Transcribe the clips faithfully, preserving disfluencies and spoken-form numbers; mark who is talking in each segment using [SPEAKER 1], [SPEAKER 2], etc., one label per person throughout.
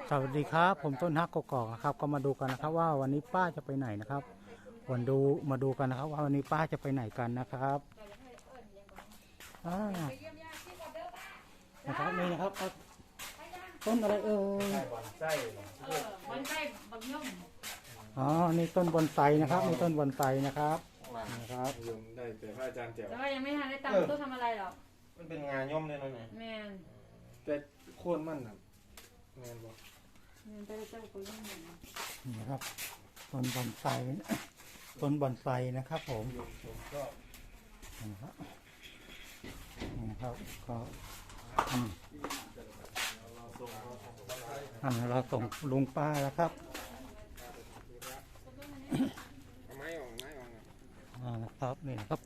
[SPEAKER 1] สวัสดีครับผมต้นฮักกกอกนะครับก็มาดูกันนะครับว่าวันนี้ป้าจะไปไหนนะครับวันดูมาดูกันนะครับว่าวันนี้ป้าจะไปไหนกันนะครับอ่านะครับนี่นะครับต้นอะไรเอ่ยบอนไส้บอนไส้บอนย่อมอ๋อนี่ต้นบอนไซนะครับนี่ต้นบอนไซนะครับนะครับ
[SPEAKER 2] ยังได้แต่พระอาจารย์แจ๋ว
[SPEAKER 3] แต่ว่ายังไม่ทันได้ตั้งตู้ทำอะไรหรอก
[SPEAKER 2] มันเป็นงานย่อมเลยนะเนี่ย
[SPEAKER 3] แมน
[SPEAKER 2] แต่โค่นมันนะแมนบอก
[SPEAKER 3] แมนไปเจ้าคนย่อมนี่
[SPEAKER 1] นะครับต้นบอนไซต้นบอนไซนะครับผมนะครับนะครับก็อันเราส่งลุงป้าแล้วครับ
[SPEAKER 2] ไม้ออกไม้ออก
[SPEAKER 1] อ่านะครับนี่นะครับ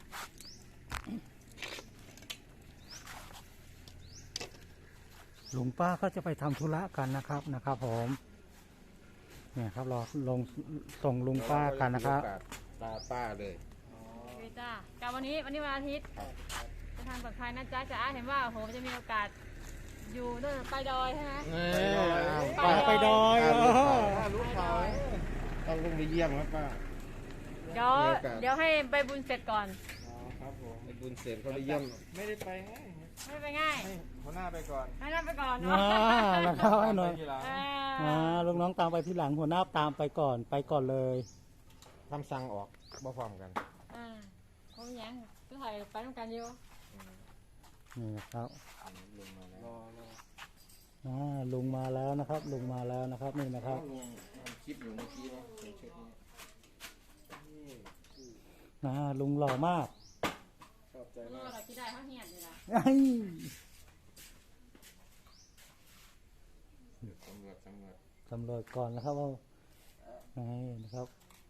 [SPEAKER 1] ลุงป้าก็จะไปทำธุระกันนะครับนะครับผมเนี่ยครับเราลงส่งลุงป้ากันนะครับ
[SPEAKER 2] ตาป้าเลย
[SPEAKER 3] เฮ้ยจ้ากับวันนี้วันนี้วันอาทิตย์จะทานปลอดภัยนะจ๊ะจะอาเห็นว่าโหจะมีโอกาสอยู่นู่นไปดอยใช่ไหม
[SPEAKER 1] ป้าไปดอย
[SPEAKER 2] ลูกเขาต้องลงไปเยี่ยมครับป้า
[SPEAKER 3] เดี๋ยวเดี๋ยวให้ใบบุญเสร็จก่อน
[SPEAKER 2] อ๋อครับผมใบบุญเสร็จเขาไปเยี่ยมไม่ได้ไปง่าย
[SPEAKER 3] ไม่ไปง่าย
[SPEAKER 2] หัวหน้าไปก่อน
[SPEAKER 3] ให้น้าไปก่อน
[SPEAKER 1] เนาะแล้วเข้าให้หน่อยอ่าลูกน้องตามไปที่หลังหัวหน้าตามไปก่อนไปก่อนเลย
[SPEAKER 2] ทำสั่งออกบ่พร้อมกัน
[SPEAKER 3] อ่าเขาอย่างก็ถ่ายไปต้องการเยอะ
[SPEAKER 1] นี่ครับ
[SPEAKER 2] ลุงมาแล้ว
[SPEAKER 1] อ่าลุงมาแล้วนะครับลุงมาแล้วนะครับนี่นะครับ
[SPEAKER 2] ลุงทำคลิปอยู่เมื่อกี้เนาะในชุดนี้
[SPEAKER 1] อ่าลุงหล่อมาก
[SPEAKER 2] ชอบใจมาก
[SPEAKER 3] เราคิดได้เขาเหียนเลยนะ
[SPEAKER 2] สำรวจสำรวจ
[SPEAKER 1] สำรวจก่อนนะครับว่าไงนะครับ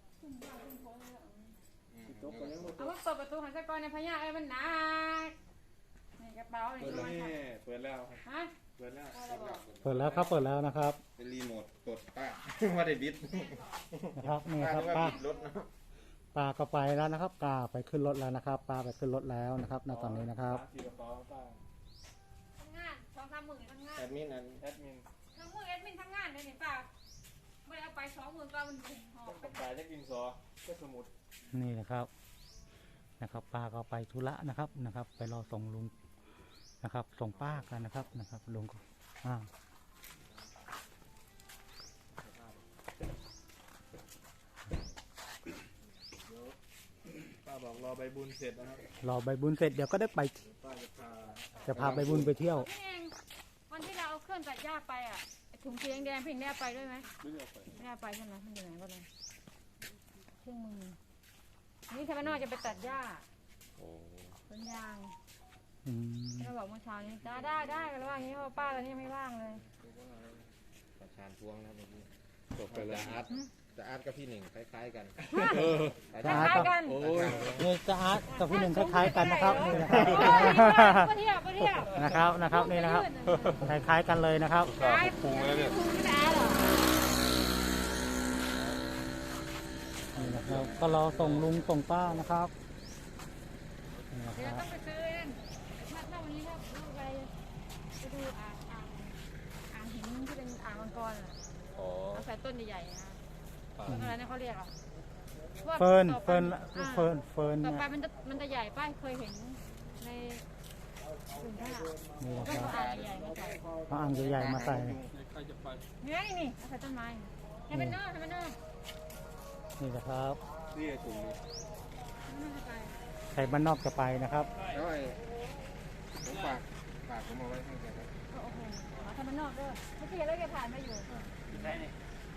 [SPEAKER 3] เอาว่าเปิดประตูหันสะกอนในพญาไอ้มันหนักนี่กระเป๋าเลย
[SPEAKER 2] เปิดแล้ว
[SPEAKER 3] ฮะ
[SPEAKER 2] เปิดแล้ว
[SPEAKER 1] เปิดแล้วครับเปิดแล้วนะครับ
[SPEAKER 2] เป็นรีโมทกดป้าว่าได้บิด
[SPEAKER 1] นะครับนี่ครับป้าป้าก็ไปแล้วนะครับป้าไปขึ้นรถแล้วนะครับป้าไปขึ้นรถแล้วนะครับณตอนนี้นะครับ
[SPEAKER 3] ทำงานสองสามหมื่นทำงาน
[SPEAKER 2] แอดมินแอดมิน
[SPEAKER 3] ทำมือแอดมินทำงานเลยเห็นป่ะไม่เอาไปสองหมื่นก็มันหอบ
[SPEAKER 2] ไปขายจะกินซอก็สมุด
[SPEAKER 1] นี่นะครับนะครับป้าก็ไปธุระนะครับนะครับไปรอส่งลุงนะครับส่งป้ากันนะครับนะครับลุงก็อ่า
[SPEAKER 2] ป้าบอกรอใบบุญเสร็จนะครับ
[SPEAKER 1] รอใบบุญเสร็จเดี๋ยวก็ได้ไป
[SPEAKER 2] ป้าจะพา
[SPEAKER 1] จะพาใบบุญไปเที่ยว
[SPEAKER 3] วันที่เราเอาเครื่องตัดหญ้าไปอ่ะถุงสีแดงๆเพ่งได้ไปด้วยไหม
[SPEAKER 2] ไม่ได้ไป
[SPEAKER 3] ไม่ได้ไปใช่ไหมมันอยู่ไหนก็เลยเครื่องมือนี่ทำไมนอกจะไปตัดหญ้าต้นยางเราบอกเมื่อเช้านี้ได้ได้ได้กันแล้วว่าอย่างนี้เพราะป้าตอนนี้ไม่ว่างเลย
[SPEAKER 2] ประธานพวงนะเมื่อกี้จบไปเลยอาร์ตจะอาร์ตกับพี่หนึ่งคล้ายๆกัน
[SPEAKER 3] คล้ายกัน
[SPEAKER 1] นี่จะอาร์ตกับพี่หนึ่งคล้ายๆกันนะครับนี่นะครับ
[SPEAKER 3] เที่ยวเที่ยว
[SPEAKER 1] นะครับนะครับนี่นะครับคล้ายๆกันเลยนะครับ
[SPEAKER 2] พุงแล้วเนี่ย
[SPEAKER 1] นี่นะครับก็รอส่งลุงส่งป้านะครับ
[SPEAKER 3] เดี๋ยวต้องไปซื้อเองถ้าถ้าวันนี้ถ้าไปไปดูอ่างอ่างอ่างหินที่เป็นอ่างมังกรอ่ะเอาใส่ต้นใหญ่ๆนะต้นอะไรนะเขาเรียกอ่ะ
[SPEAKER 1] เฟิร์นเฟิร์นเฟิร์นเฟิร์น
[SPEAKER 3] ต่อไปมันจะมันจะใหญ่ป้ายเคยเห็นในกลุ่มท่า
[SPEAKER 1] นี่นะ
[SPEAKER 3] ค
[SPEAKER 1] รับ
[SPEAKER 3] อ่างใหญ่มาใส่
[SPEAKER 1] เอาอ่างใหญ่ๆมาใส่
[SPEAKER 3] นี่นี่เอาใส่ต้นไม้ให้เป็นนอกให้เป็นนอก
[SPEAKER 1] นี่นะครับ
[SPEAKER 2] นี่ถุงนี้
[SPEAKER 1] ใครบ้านนอกจะไปนะครับ
[SPEAKER 2] แล้วไอ้ผมฝากฝากผมเอาไว้ให้แกครับ
[SPEAKER 3] โอ้โหทำบ้านนอกด้วยเมื่อกี้แล้วแกผ่านมาอยู่
[SPEAKER 2] ได้เนี่ย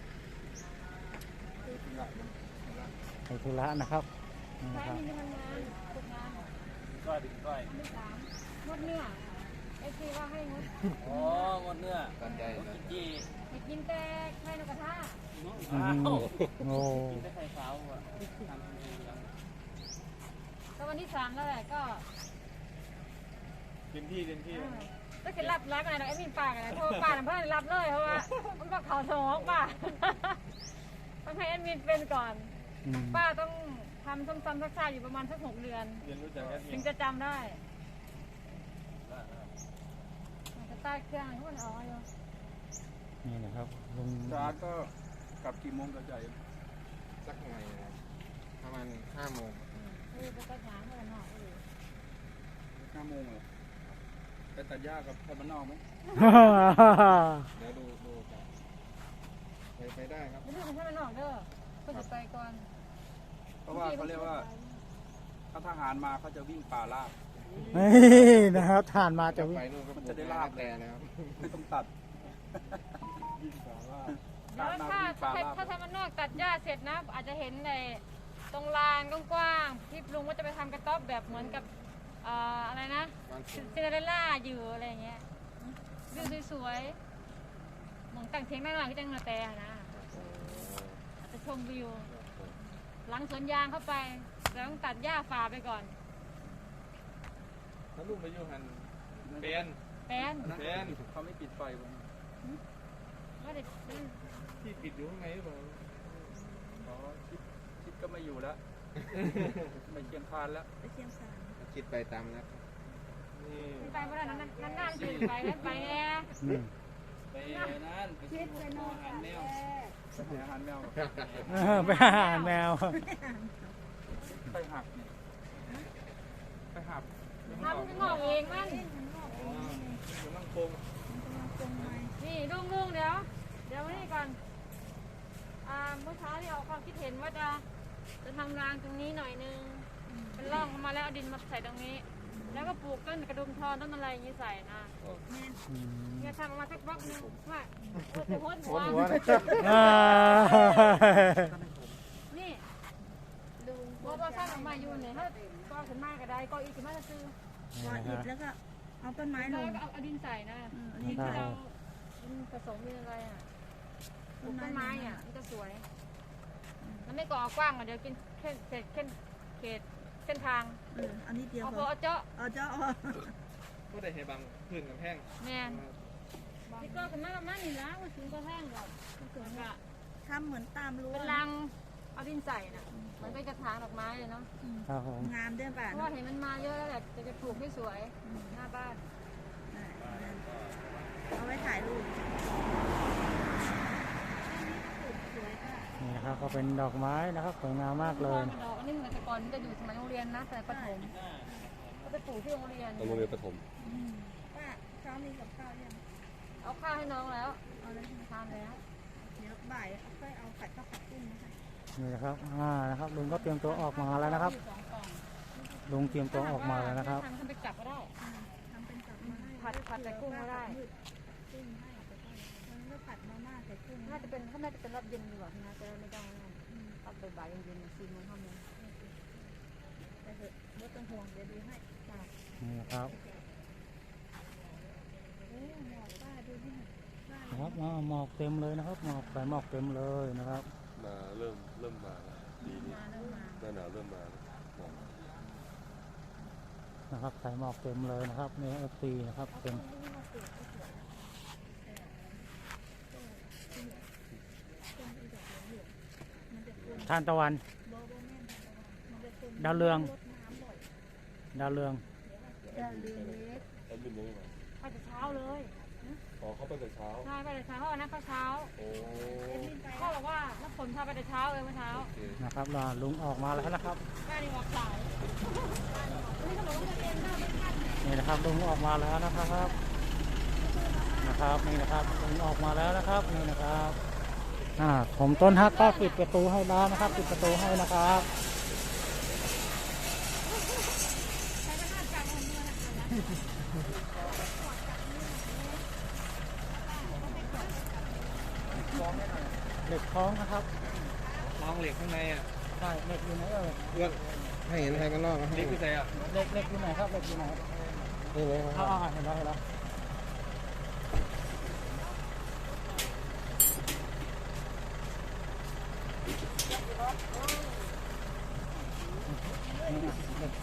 [SPEAKER 1] ไปธุระนะครับ
[SPEAKER 3] ใช่มีทำงานฝึกงาน
[SPEAKER 2] ก้อยดิก้อย
[SPEAKER 3] ไม่สามงดเนื้อไอ้ที่ว่าให้งด
[SPEAKER 2] อ๋อหมดเนื้อกันใจจี
[SPEAKER 3] ให้กินแต่ไข่นกกระทา
[SPEAKER 1] โอ้
[SPEAKER 2] กินแต่ไข่ขาวอ่ะทำเองยัง
[SPEAKER 3] ก็วันที่สามแล้วแหละก็
[SPEAKER 2] เต็มที่เต็มที่
[SPEAKER 3] ก็คือรับรักอะไรนะไอ้มีปากอะไรเพราะป้าเพื่อนรับเลยเพราะว่ามันก็เขาสมองป้าต้องให้แอดมินเป็นก่อนป้าต้องทำซ้ำๆซักๆอยู่ประมาณสักหกเดือนถึงจะจำได้จะใต้เครื่องทุกคนเอาอยู่
[SPEAKER 1] นี่นะครับลุง
[SPEAKER 4] จานก็กลับกี่โมงกับใจ
[SPEAKER 2] สักหน่อยนะครับประมาณห้าโมง
[SPEAKER 3] เออไปกระถางเลยเนาะเออ
[SPEAKER 4] ห้าโมงเหรอไปตัดหญ้ากับพ่อบ้านนอกไหม
[SPEAKER 2] เดี๋ยวดูดูครับไปไปได้ครับ
[SPEAKER 3] ไม่ต้องให้มันออกเด้อเพื่อจะไปก่อน
[SPEAKER 4] เพราะว่าเขาเรียกว่าถ้าทหารมาเขาจะวิ่งป่าลาบ
[SPEAKER 1] นี่นะครับทานมาจะ
[SPEAKER 2] จะ
[SPEAKER 1] วิ่ง
[SPEAKER 2] ไปนู่นก็
[SPEAKER 4] มันจะได้ลาบ
[SPEAKER 2] แต่นะครับ
[SPEAKER 4] ไม่ต้องตัดวิ่งป่าลาบ
[SPEAKER 3] เดี๋ยวถ้าถ้าถ้าทำมันนอกตัดหญ้าเสร็จนะ อาจจะเห็นในตรงลานกว้างๆที่ลุงว่าจะไปทำกระต๊อบแบบเหมือนกับเอ่ออะไรนะ
[SPEAKER 2] วัน
[SPEAKER 3] ซินเดอเรลล่าอยู่อะไรอย่างเงี้ยวิวสวยๆหมองตั้งเทียงหน้าหน่อยที่จังนาแต่นะอาจจะชมวิว หลังสวนยางเข้าไปแต่ต้องตัดหญ้าฝ่าไปก่อน
[SPEAKER 2] ถ้าลูกไปอยู่หันเป็น
[SPEAKER 3] แป้น
[SPEAKER 2] เป็น
[SPEAKER 4] เขาไม่ปิดไฟผม
[SPEAKER 3] ว่าเด็ก
[SPEAKER 2] ที่ปิดอยู่ข้างในหรือเปล่า
[SPEAKER 4] อ๋อคิดคิดก็ไม่อยู่แล้ว ไม่เคียงคานแล้ว
[SPEAKER 2] คิดไปตามนะครับนี่
[SPEAKER 3] ไปไม่ได้นั่นนั่นนั่นคือไปแล้วไปแน่
[SPEAKER 1] อืม
[SPEAKER 4] ไปนั่นไปซื้ออาหารแมวไปหาอาหารแมว
[SPEAKER 1] เออไปหาอาหารแมว
[SPEAKER 4] ไปหักเนี่ยไปหัก
[SPEAKER 3] ทำงอกเองมัน
[SPEAKER 2] อ๋อกำลังโคง
[SPEAKER 3] นี่ลุงลุงเดี๋ยว เดี๋ยวนี่ก่อนอ่าเมื่อเช้าที่ออกความคิดเห็นว่าจะจะทำรางตรงนี้หน่อยนึงเป็นร่องเข้ามาแล้วเอาดินมาใส่ตรงนี้ แล้วก็ปลูกต้นกระดุมทอนต้นอะไรอย่างนี้ใส่นะ
[SPEAKER 1] อืม
[SPEAKER 3] เนี่ยทำออกมาสักบล็อกนึงว่าจะโพสหัว
[SPEAKER 2] หัวนะ
[SPEAKER 1] อ่า
[SPEAKER 3] นี่ลุงบอกว่าสร้างออกมาอยู่เนี่ยถ้าก็ขึ้นมาก็ได้ก็อีกขึ้นมาจะซื้อ
[SPEAKER 1] นี่นะค
[SPEAKER 5] อิ
[SPEAKER 1] รั
[SPEAKER 5] ฐ
[SPEAKER 1] บ
[SPEAKER 5] แล้วก็เอาต้นไม้ล
[SPEAKER 3] แล้ว
[SPEAKER 5] ง
[SPEAKER 3] ก็เอาเอาดินใส่นะ
[SPEAKER 5] อืมอัน
[SPEAKER 3] ดิ
[SPEAKER 5] นี้
[SPEAKER 3] น
[SPEAKER 5] ก็
[SPEAKER 3] ที่
[SPEAKER 1] ได้
[SPEAKER 3] เราดินผสมดินอะไรอ่ะปลูกต้นไม้อ่ะมันจะสวยมันไม่ก่อกว้างอ่ะเดี๋ยวกินเส้นเศษเส้นเขตเส้นทาง
[SPEAKER 5] เอออันนี้เดียว
[SPEAKER 3] เอา
[SPEAKER 5] พ
[SPEAKER 3] พอ
[SPEAKER 5] อ
[SPEAKER 3] เอาเจาะ
[SPEAKER 5] เอาเจ้าเอา
[SPEAKER 2] ก็ได้ให้บางพื้นกับแห้ง
[SPEAKER 3] แมนนี่ก็ขึ้นมาประมาณนี้แล้วมันถึงก็แห้งแล้วแล้วก็
[SPEAKER 5] ทำเหมือนตามรั้ว
[SPEAKER 3] เป็นรังเอาดินใส่น่ะมันเป็นกระถางดอกไม้เลยเนาะ
[SPEAKER 5] อืม
[SPEAKER 1] ครับผม
[SPEAKER 5] งามด้วยป่ะ
[SPEAKER 3] เพราะว่าเห็นมันมาเยอะแล้วแหละจะจะปลูกให้สวยหน้าบ้าน
[SPEAKER 5] เอาไว้ถ่ายรูป
[SPEAKER 1] นี่นะครับก็เป็นดอกไม้นะครับสวยงามมากเลย
[SPEAKER 3] ดอกอันนี้เหมือนแต่ก่อนมันจะอยู่สมัยโรงเรียนนะแต่ประถมก็ไปปลูกที่โรงเรียน
[SPEAKER 2] โรงเรียนประถม
[SPEAKER 5] ป้าเช้ามีกับข้าวยัง
[SPEAKER 3] เอาข้าวให้น้องแล้ว
[SPEAKER 5] เอาแล้ว
[SPEAKER 3] ทานแล้ว
[SPEAKER 5] เดี๋ยวบ่ายเอาค่อยเอาผัดข้าวผัดกุ้งมาให้
[SPEAKER 1] นี่นะครับอ่านะครับลุงก็เตรียมตัวออกมาแล้วนะครับ
[SPEAKER 3] สองกล่อง
[SPEAKER 1] ลุงเตรียมตัวออกมาแล้วนะครับ
[SPEAKER 3] ทำทำไปจับก็ได้
[SPEAKER 5] ทำเป็นกับมาให้
[SPEAKER 3] ผัดผัดใส่กุ้งก็ได้
[SPEAKER 5] กุ้งให้เอาไปก่อนมันก็ผัดมาม่าใส่กุ้ง
[SPEAKER 3] น่าจะเป็นถ้าน่าจะเป็นรอบเย็นดีกว่านะจะไม่ต้องรอบบ่ายๆเย็นๆสี่โมงห้าโมง
[SPEAKER 5] ไปเถอะไม่ต้องห่วงเดี๋ยวดูให้จ้า
[SPEAKER 1] นี่นะครับ
[SPEAKER 5] โอ้หมอกป้าดูนี่ป้า
[SPEAKER 1] นะครับอ่าหมอกเต็มเลยนะครับหมอกใส่หมอกเต็มเลยนะครับ
[SPEAKER 6] มาเริ่มเริ่มมาแล้วปีนี้
[SPEAKER 5] มาแล้วมา
[SPEAKER 6] หน้าหนาวเริ่มมาแล้วหมอก
[SPEAKER 1] นะครับใส่หมอกเต็มเลยนะครับในเอฟซีนะครับเป็นทานตะวัน ดาวเรือง ดาวเรือง
[SPEAKER 5] จะเรือเล็ก
[SPEAKER 6] แล้วบินยังไงมา
[SPEAKER 3] ไปแต่เช้าเลย
[SPEAKER 6] อ๋อเข้าไปแต่เช้า
[SPEAKER 3] ใช่ไปแต่เช้าเพราะวันนั้นเขาเช้า
[SPEAKER 6] โอ้
[SPEAKER 3] พ่อบอกว่าน้ำฝนพาไปแต่เช้าเลยเมื่อเช้า
[SPEAKER 6] โอเค
[SPEAKER 1] นะครับอ่าลุงออกมาแล้วนะครับ
[SPEAKER 3] แม่นี่บอกสายนี่เขาบอกว่าเรียนได้ไม่ทัน
[SPEAKER 1] นี่นะครับลุงออกมาแล้วนะครับนะครับนี่นะครับลุงออกมาแล้วนะครับนี่นะครับอ่าผมต้นฮักก็ปิดประตูให้แล้วนะครับปิดประตูให้นะครับเหล็กคล้องนะครับ
[SPEAKER 2] มองเหล็กข้างในอ่ะ
[SPEAKER 1] ใช่เหล็กอยู่ไหนเอ่ย
[SPEAKER 2] เพื่อนให้เห็นใครกันนอกนะ
[SPEAKER 6] นี่คือใจอ่ะ
[SPEAKER 1] เหล็กเหล็กอยู่ไหนครับเหล็กอยู่ไหน
[SPEAKER 2] นี่เลยค
[SPEAKER 1] อ่า
[SPEAKER 2] รับ
[SPEAKER 1] อ่าเห็นแล้วเห็นแล้วนี่นะเหล็ก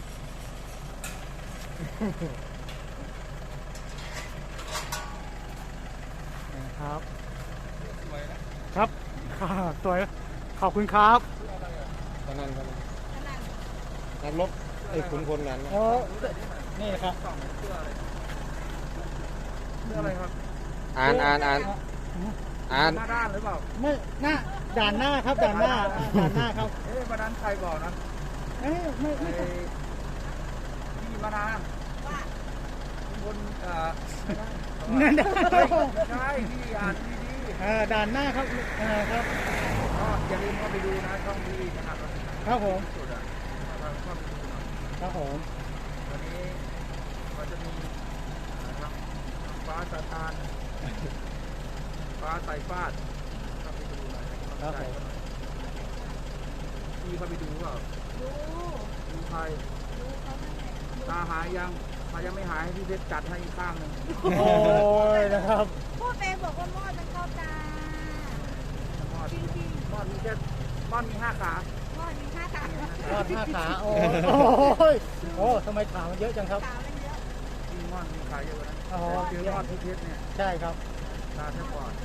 [SPEAKER 1] นะครับ
[SPEAKER 2] สวยนะครับ
[SPEAKER 1] ค่ะสวยขอบคุณครับ
[SPEAKER 2] ตอนนั้นตอนนั้นนักรบไอ้ขุนพลนั้นนะ
[SPEAKER 1] โอ้นี่ครับ
[SPEAKER 4] เรื่องอะไรครับ
[SPEAKER 2] อ่านอ่านอ่านอ่าน
[SPEAKER 4] หน้าด้านหรือเปล่า
[SPEAKER 1] ไม่หน้าด่านหน้าครับด่านหน้าด่านหน้าครับ
[SPEAKER 4] เอ๊ะวันนั้นใครบอกนะ
[SPEAKER 1] เอ้ยไม่
[SPEAKER 4] ไอ้
[SPEAKER 1] ไม่
[SPEAKER 4] พี่มานาบนเอ่อ
[SPEAKER 1] นั่น
[SPEAKER 4] ไม่ใช่พี่อ่านดี
[SPEAKER 1] เออด่านหน้าครับเออครับ
[SPEAKER 4] ๆก็อย่าลืมเข้าไปดูนะช่องพี่นะครับ
[SPEAKER 1] ครับผม
[SPEAKER 4] สุดอ่ะเราเข้าไปดูหน่อย
[SPEAKER 1] ครับผม
[SPEAKER 4] วันนี้ก็จะมีนะครับฟ้าสาตานฟ้าไตฟาดเข้าไปดูหน่อยให้กำลังใจเขาหน่อยพี่เข้าไปดูเปล่า
[SPEAKER 5] ดู
[SPEAKER 4] ดูใคร
[SPEAKER 5] ดูเขานั่นแหละ
[SPEAKER 4] ตาหายยังถ้ายังไม่หายให้พี่เพชรจัดให้อีกข้างหนึ่ง
[SPEAKER 1] โอ้ยนะครับ
[SPEAKER 5] พูดไปบอกว่ามอดมันเข้าตาม
[SPEAKER 4] อด
[SPEAKER 5] จริง
[SPEAKER 4] มอดมีแค่มอดมีห้าขา
[SPEAKER 5] ๆมอดมีห้าตา
[SPEAKER 1] ทอดห้าขาโอ้ยโอ้ทำไมขามันเยอะจังครับ
[SPEAKER 5] ตามันเยอะ
[SPEAKER 4] ที่มอดมีขาเยอะกว่านั้น
[SPEAKER 1] อ๋อ
[SPEAKER 4] เจอมอดพี่เพชรเนี่ย
[SPEAKER 1] ใช่ครับ
[SPEAKER 4] ตาแทบปอด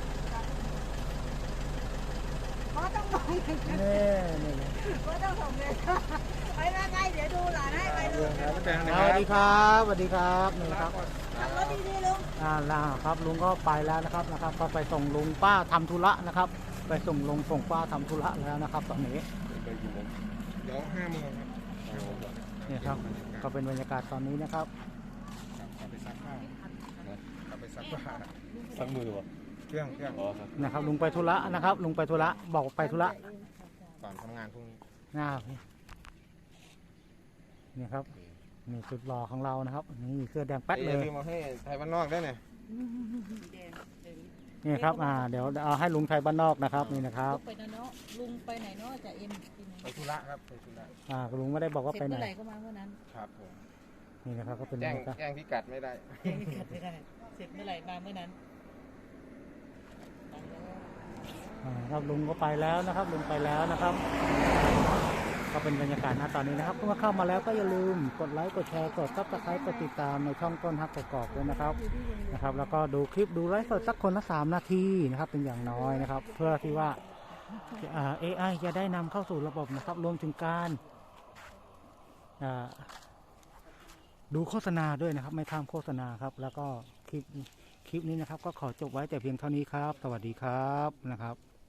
[SPEAKER 5] เพราะต้องมองอย่างนั้น
[SPEAKER 1] นี่นี่นี่
[SPEAKER 5] เพราะต้องส่งเลยไปมาไงเดี๋ยวดูหลานให้ไปดู
[SPEAKER 4] แดง
[SPEAKER 1] ส
[SPEAKER 4] นะค
[SPEAKER 1] วัส
[SPEAKER 4] รับ
[SPEAKER 1] ดีครับสวัสดีครับนี่ครับ
[SPEAKER 5] ขับรถดีๆลุง
[SPEAKER 1] อ่าล่าครับลุงก็ไปแล้วนะครับนะครับ ก็ไปส่งลุงป้าทำธุระนะครับ ไปส่งลุงส่งป้าทำธุระแล้วนะครับ ตอนนี้
[SPEAKER 6] ไปกี่โมง
[SPEAKER 2] เดี๋ยวห้าโมงครับห้าโมงก่อน
[SPEAKER 1] นี่ครับ ก็เป็นบรรยากาศตอนนี้นะครับ
[SPEAKER 2] กลับไปซักผ้ากลับไปซักผ้า
[SPEAKER 6] สักมือวะ
[SPEAKER 2] เครื่องเครื่อง
[SPEAKER 6] อ๋อครับ
[SPEAKER 1] นะครับ ลุงไปธุระนะครับ ลุงไปธุระบอกไปธุระ
[SPEAKER 2] ก่อนทำงานพรุ่งนี้
[SPEAKER 1] นะครับนี่ครับนี่จุดรอของเรานะครับนี่เสื้อแดงแป๊ด
[SPEAKER 2] อ
[SPEAKER 1] เล
[SPEAKER 2] ย่าย ลืมมาให้ไทยบ้านนอกด้วยเนี่ย
[SPEAKER 1] นี่ครับอ่าเดี๋ยวเอาให้ลุงไทยบ้านนอกนะครับนี่นะครับ
[SPEAKER 7] ไปนะเนาะลุงไปไหนเนาะจะเอ็มกิน
[SPEAKER 2] ไปธุระครับไปธุระ
[SPEAKER 1] อ่าลุงไม่ได้บอกว่า
[SPEAKER 7] เสร็
[SPEAKER 1] ไป
[SPEAKER 7] จ
[SPEAKER 1] ไหน
[SPEAKER 7] เมื่อไหร่ก็มาเมื่อนั้น
[SPEAKER 2] ครับผม
[SPEAKER 1] นี่นะครับก็เป็นบร
[SPEAKER 2] แจ้ง
[SPEAKER 1] รยากาศ
[SPEAKER 2] แจ้งพิกัดไม่ได้
[SPEAKER 7] แจ้งพิกัดไม่ได้เสร็จเมื่อไหร่มาเมื่อนั้นไปแล้ว
[SPEAKER 1] อ่าครับลุงก็ไปแล้วนะครับลุงไปแล้วนะครับ ก็เป็นบรรยากาศณตอนนี้นะครับเมื่อเข้ามาแล้วก็อย่าลืมกดไลค์กดแชร์กดซับสไครต์กดติดตามในช่องต้นฮักกอกๆด้วยนะครับนะครับ แล้วก็ดูคลิปดูไลฟ์สดสักคนละสามนาทีนะครับ เป็นอย่างน้อยนะครับ เพื่อที่ว่าเอไอจะได้นำเข้าสู่ระบบนะครับ รวมถึงการอ่าดูโฆษณาด้วยนะครับ ไม่ข้ามโฆษณาครับ แล้วก็คลิปคลิปนี้นะครับ ก็ขอจบไว้แต่เพียงเท่านี้ครับ สวัสดีครับนะครับ